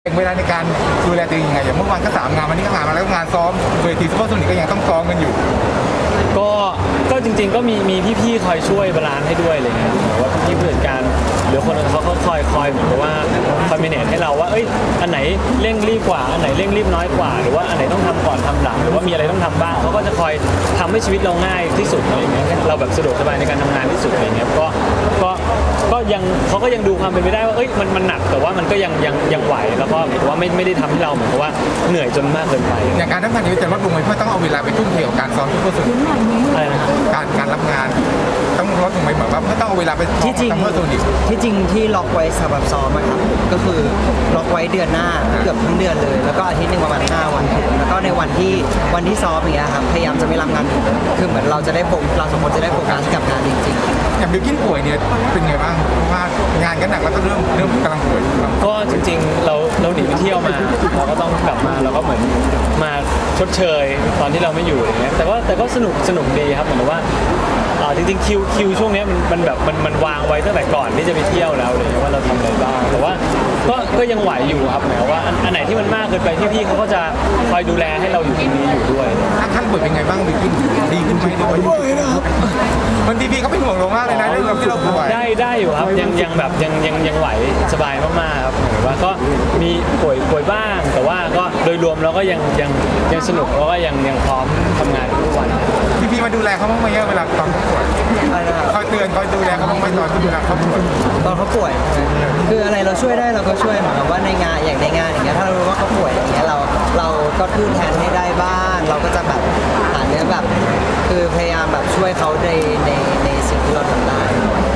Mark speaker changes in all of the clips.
Speaker 1: เวลาในการดูแลตัวเองยังไงอย่างเมื่อวานก็3 งานวันนี้ก็งานมาแล้วงานซ้อมเวทีซุปเปอร์โซนิกก็ยังต้องซ้อมกันอยู่
Speaker 2: ก็จริงๆก็มีพี่ๆคอยช่วยบาลานซ์ให้ด้วยอะไรเงี้ยหรือว่าพี่ผู้จัดการหรือคนอื่นเขาคอยเหมือนกับว่าคอยเมเนจให้เราว่าอันไหนเร่งรีบกว่าอันไหนเร่งรีบน้อยกว่าหรือว่าอันไหนต้องทำก่อนทำหลังหรือว่ามีอะไรต้องทำบ้างเขาก็จะคอยทำให้ชีวิตเราง่ายที่สุดอะไรเงี้ยเราแบบสะดวกสบายในการทำงานที่สุดอะไรเงี้ยก็ยังเขาก็ยังดูความเป็นไปได้ว่ามันหนักแต่ว่ามันก็ยังไหวแล้วก็เหมือนว่าไม่ได้ทำให้เราเหมือนกับว่าเหนื่อยจนมากเกินไป
Speaker 1: อย่างการทำงานนี้จะลดลงไหมเพราะต้องเอาเวลาไปทุ่มเทกับการซ้อมซุปเปอร์โซนิก
Speaker 2: อะไรนะ
Speaker 1: การรับงานต้องลดลงไหมเหมือนว่าต้องเอาเวลาไป
Speaker 3: ที่จริง
Speaker 1: ซุปเปอร์โซนิก
Speaker 3: ที่จริงที่ล็อกไว้สำหรับซ้อมครับก็คือล็อกไว้เดือนหน้าเกือบทั้งเดือนเลยแล้วก็อาทิตย์นึงประมาณ5 วันแล้วก็ในวันที่ซ้อมอย่างเงี้ยครับพยายามจะไม่รับงานคือเหมือนเราสองคนจะได้โฟกัสกับงานจริงๆ
Speaker 1: อย่างบิวกิ้นป่วยเนี่ยเป็นไงบ้างเพราะว่างานก็หนักแล้วก็เริ่มกำลังป่วย
Speaker 2: ก็จริงๆเราหนีไปเที่ยวมาเราก็ต้องกลับมาเราก็เหมือนมาชดเชยตอนที่เราไม่อยู่อย่างเงี้ยแต่ก็สนุกดีครับเหมือนว่าจริงๆคิวช่วงนี้มันแบบมันวางไว้ตั้งแต่ก่อนที่จะไปเที่ยวแล้วเลยว่าเราทำอะไรบ้างแต่ว่าก็ยังไหวอยู่ครับหมายว่าอันไหนที่มันมากเกินไปพี่เขาก็จะคอยดูแลให้เราอยู่ตรงนี้อยู่ด้วย
Speaker 1: ท่านป่วยเป็นไงบ้างบิวกิ้นดีขึ้นไหมหรือว่าบางทีพี่เขาเป็นห่วงเรามากเลยนะเรื่องที่เราป่วย
Speaker 2: ได้อยู่ครับยังแบบยังไหวสบายมากๆครับหมายว่าก็มีป่วยบ้างแต่ว่าก็โดยรวมเราก็ยังสนุกแล้วก็ยังพร้อมทำงานทุกวัน
Speaker 1: พี่มาดูแลเขาบ้างไหมเวลาตอนเขาป่วยคอยเตือนคอยดูแลเขาบ้างไหมตอนที่เวลาเขาป่วย
Speaker 3: คืออะไรเราช่วยได้เราก็ช่วยเหมือนกับว่าในงานอย่างเงี้ยถ้าเรารู้ว่าเขาป่วยอย่างเงี้ยเราก็ทูนแทนให้ได้บ้างเราก็จะแบบหาเนื้อแบบคือพยายามแบบช่วยเขาในสิ่งที่เราทำได้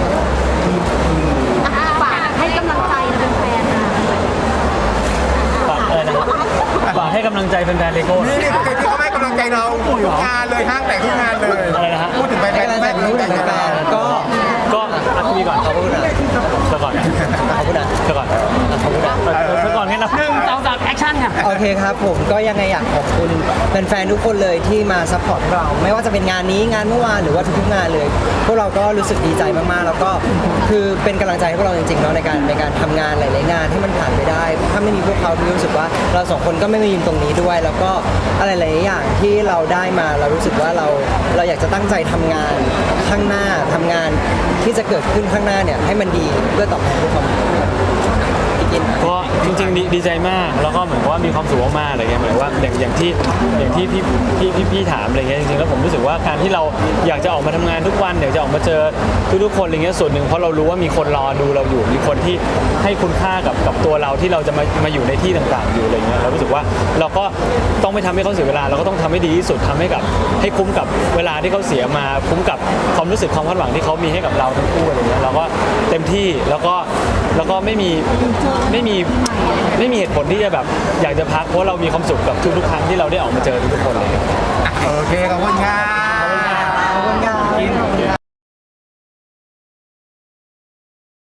Speaker 4: ฝากให้กำลังใจแฟนๆนะ
Speaker 2: ฝากอะไรนะครับฝากให้กำลังใจแฟนๆเลโก้
Speaker 1: นี่ที่เขาให้กำลังใจเราทุกงานเลยห้างแต่ทุกงานเลย
Speaker 2: อะไรนะฮะ
Speaker 1: พูดถึงแฟนๆแฟน
Speaker 2: ก็อัพพี่ก่อนเขาพูดนะก่อน
Speaker 3: เขาพูดนะ
Speaker 2: ก่อนแค่นับ1 2 3แอคชั่นค่ะ
Speaker 3: โอเคครับผมก็ยังไงอยากขอบคุณแฟนๆทุกคนเลยที่มาซัพพอร์ตเราไม่ว่าจะเป็นงานนี้งานเมื่อวานหรือว่าทุกๆงานเลยพวกเราก็รู้สึกดีใจมากๆแล้วก็คือเป็นกำลังใจให้พวกเราจริงๆเนาะในการทำงานหลายๆงานให้มันผ่านไปได้ถ้าไม่มีพวกเขาพี่รู้สึกว่าเรา2 คนก็ไม่มายืนตรงนี้ด้วยแล้วก็อะไรหลายอย่างที่เราได้มาเรารู้สึกว่าเราอยากจะตั้งใจทำงานข้างหน้าทำงานที่จะเกิดขึ้นข้างหน้าเนี่ยให้มันดีเพื่อตอบแทนพวกเขา
Speaker 2: ก็จริงๆดีใจมากแล้วก็เหมือนว่ามีความสุขมากๆอะไรเงี้ยเหมือนว่าอย่างที่พี่ถามอะไรเงี้ยจริงๆแล้วผมรู้สึกว่าการที่เราอยากจะออกมาทำงานทุกวันอยากจะออกมาเจอทุกคนอะไรเงี้ยส่วนหนึ่งเพราะเรารู้ว่ามีคนรอดูเราอยู่มีคนที่ให้คุณค่ากับตัวเราที่เราจะมาอยู่ในที่ต่างๆอยู่อะไรเงี้ยเรารู้สึกว่าเราก็ต้องไม่ทำให้เขาเสียเวลาเราก็ต้องทำให้ดีที่สุดทำให้คุ้มกับเวลาที่เขาเสียมาคุ้มกับความรู้สึกความคาดหวังที่เขามีให้กับเราทั้งคู่อะไรเงี้ยเราก็เต็มที่แล้วก็ไม่มีเหตุผลที่จะแบบอยากจะพักเพราะเรามีความสุขกับทุกๆครั้งที่เราได้ออกมาเจอทุกคนเลย
Speaker 1: โอเคขอบคุณครับ